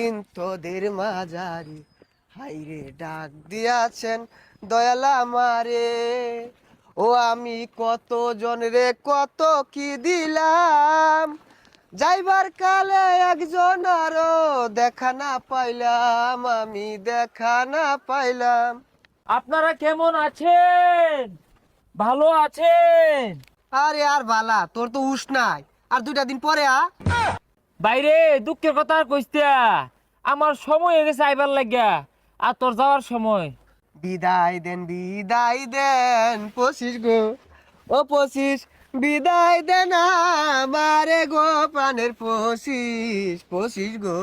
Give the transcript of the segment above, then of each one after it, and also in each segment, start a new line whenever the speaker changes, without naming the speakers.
দিন তোদের মাঝারি হাইরে ডাক দিয়াছেন দয়াল আমারে। ও আমি কত জন রে কত কি দিলাম, যাইবার কালে একজন আরো দেখা না পাইলাম, আমি দেখা না পাইলাম।
আপনারা কেমন আছেন? ভালো আছেন?
আরে আর বালা, তোর তো হুশ নাই। আর 2টা দিন পরে
বাইরে দুঃখের কথা আর কইস্তা, আমার সময় হয়ে গেছে আইবার লাগিয়া, আর তোর যাওয়ার সময়।
বিদায় দেন পশিস গো, ও পশিস বিদায় দেন আমারে গো, প্রাণের পশিস পশিস গো।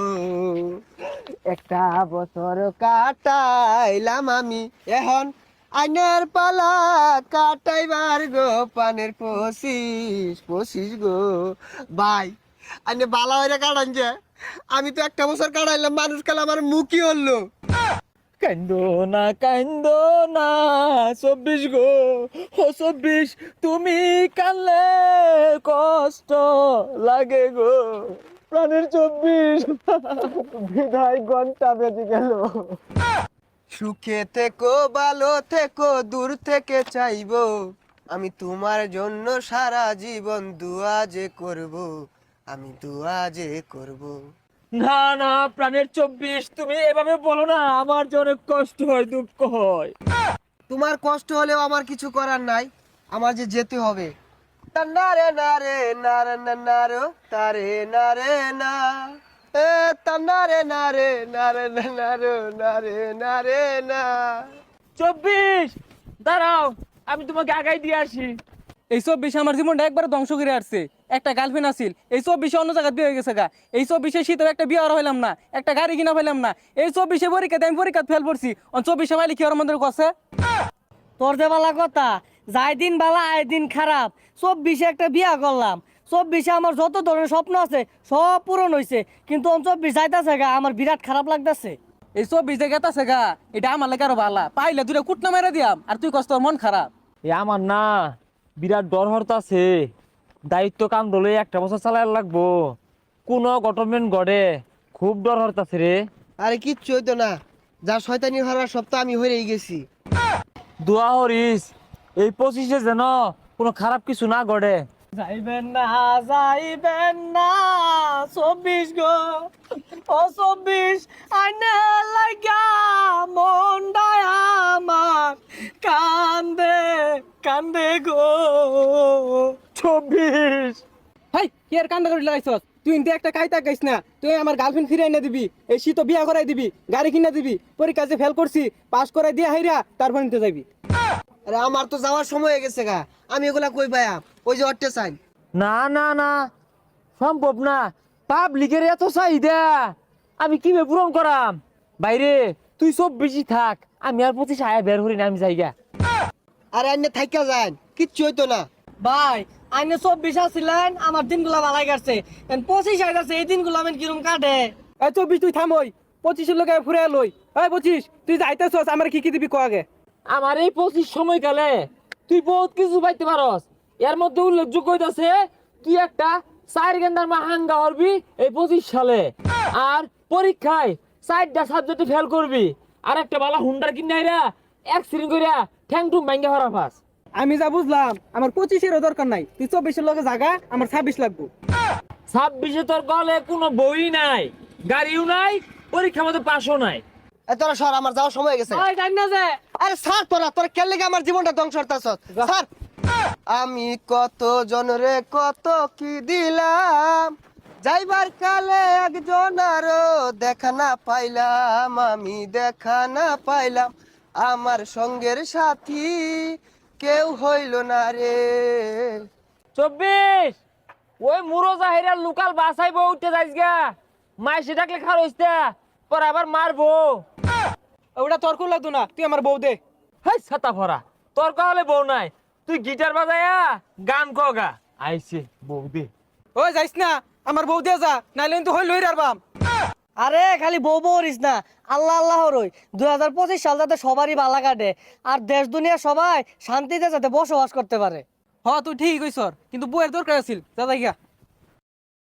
একটা বছর কাটাইলাম আমি, এখন আইনের পালা কাটাইবার গো, প্রাণের পশিস পশিস গো। ভাই আইনে বালা হইরা কাটান যে, আমি তো একটা বছর কাটাইলাম, মানুষ কাল আমার মুখই হলো।
কান্দো কান্দো না 24 গো, ও 24 তুমি কানলে কষ্ট লাগে গো, প্রাণের 24 বিদায় ঘন্টা বেজে গেল।
সুখে থেকো ভালো থেকো, দূর থেকে চাইবো আমি তোমার জন্য সারা জীবন দুয়া যে করব, আমি দুয়া যে করব।
না না প্রাণের 24 তুমি এভাবে বলো না, আমার যে অনেক কষ্ট হয়, দুঃখ হয়।
তোমার কষ্ট হলেও আমার কিছু করার নাই, আমার যে যেতে হবে। তান্নারে নারে নারে নারো তারে নারে না, এ তান্নারে নারে নারে নারো নারে নারে না।
24 দাঁড়াও, আমি তোমাকে আগাই দিয়ে আসি।
এই 24 আমার জীবনটা একবার ধ্বংস করে আসছে। একটা গার্লফ্রেন্ড আছিল, এই 24 অন্য জায়গায় বিয়ে হয়ে গেছে গা। এই 24 শীতেও একটা বিয়ে আর হইলাম না, একটা গাড়ি কিনা পাইলাম না। এই 24 পরীক্ষাতে আমি পরীক্ষা ফেল পড়ছি, 24 মাইলে কি ওর মধ্যে কছে।
তোর যে বালা কথা, যাই দিন বালা আয় দিন খারাপ। 24 একটা বিয়া করলাম, 24 আমার যত ধরনের স্বপ্ন আছে সব পূরণ হয়েছে, কিন্তু 24 যাইতাছে গা, আমার বিরাট খারাপ লাগতেছে।
এই 24 যে গেতাছে গা, এটা আমার লাগে আরো ভালা। পাইলে দুটা কুটনা মেরে দিয়াম, আর তুই কষ্ট মন খারাপ।
এ আমার না বিরাট ডর হরতাছে, দায়িত্ব কাম দলে একটা বছর চালাই লাগবো, কোন গভর্নমেন্ট গড়ে, খুব ডর হরতাছে রে।
আরে কিচ্ছু হইতো না, যা শয়তানি হওয়ার সব তো আমি হয়েই গেছি।
দোয়া হরিস এই 25-এ যেন কোনো খারাপ কিছু না গড়ে।
যাইবেন না 24 গো, ও 24 আইনে লাগা মনটাই আমার কান্দে কান্দে গো।
24
হাই কি আর কান্দা করে লাগাইছস? তুই ইনতে একটা কাইতা গাইছ না, তুই আমার গার্লফ্রেন্ড ফিরে এনে দিবি, এই শীত বিয়া করাই দিবি, গাড়ি কিনা দিবি, পরীক্ষা যে ফেল করছি পাস করাই দিয়া হাইরা তারপর নিতে যাবি।
আরে আমার তো যাওয়ার সময় হয়ে গেছে গা, আমি এগুলা কই পাইয়াম? ওই যে অট্টে চাই।
না না না সম্ভব না, পাবলিকের এত চাহিদা আমি কিভাবে পূরণ করাম? বাইরে তুই 24-ই থাক, আমি আর 25 আয়া বের হরি না, আমি যাইগা।
আরে আইনে থাইকা যান, কিচ্ছু হইতো না।
ভাই আইনে 24 আসছিলেন, আমার দিনগুলা ভালাই কাটছে, 25 আইতাছে, এই দিনগুলো আমি কিরম কাটে।
এই 24 তুই থাম, ওই 25 লোকে ফুরে লই। এই 25 তুই যাইতেছস, আমার কি কি দিবি ক আগে।
আমার এই 25 সময়কালে তুই বহুত কিছু পাইতে পারস, এর মধ্যে উল্লেখযোগ্য হইতাছে তুই একটা 4 গেন্দার মাহাঙ্গা হরবি এই 25 সালে, আর পরীক্ষায় 4টা সাবজেক্টে ফেল করবি, আর একটা বালা হুন্ডার কিনাইরা অ্যাক্সিডেন্ট কইরা ঠ্যাং টুং ভাঙ্গা হরা ফাস।
আমি যা বুঝলাম আমার 25-এরও দরকার নাই, তুই 24-এর লগে জাগা, আমার 26 লাগবো।
26-এ তোর গলে কোনো বই নাই, গাড়িও নাই, পরীক্ষা মতো পাসও নাই।
এ তোরা সর, আমার যাওয়ার সময় হয়ে গেছে।
ওই জানি না যে
আরে স্যার, তোরা কেন লেগে আমার জীবনটা ধ্বংস করতেছ স্যার? আমি কত জনরে কত কি দিলাম, যাইবার কালে একজন আরো দেখা না পাইলাম, আমি দেখা না পাইলাম, আমার সঙ্গের সাথী কেউ হইল না রে।
24 ওই মুরো জাহিরা লোকাল বাসাইবো, উঠতে যাইস গা, মাইসে ডাকলে খার হইস্তা, পর আবার মারবো।
ওটা তোর কোন লাগতো না, তুই আমার বউ দে।
হাই ছাতা ভরা, তোর কাহলে বউ নাই, তুই গিটার বাজায়া গান কগা, আইছে বউ দে।
ওই যাইস না, আমার বউ দিয়ে যা, নাইলে কিন্তু হই লই রারবাম।
আরে খালি বউ বউরিস না, আল্লাহ আল্লাহ রই 2025 সাল যাতে সবারই ভালো কাটে, আর দেশ দুনিয়া সবাই শান্তিতে যাতে বসবাস করতে পারে।
হ তুই ঠিক কইছর, কিন্তু বউয়ের দরকার আছিল, যা যাই গা।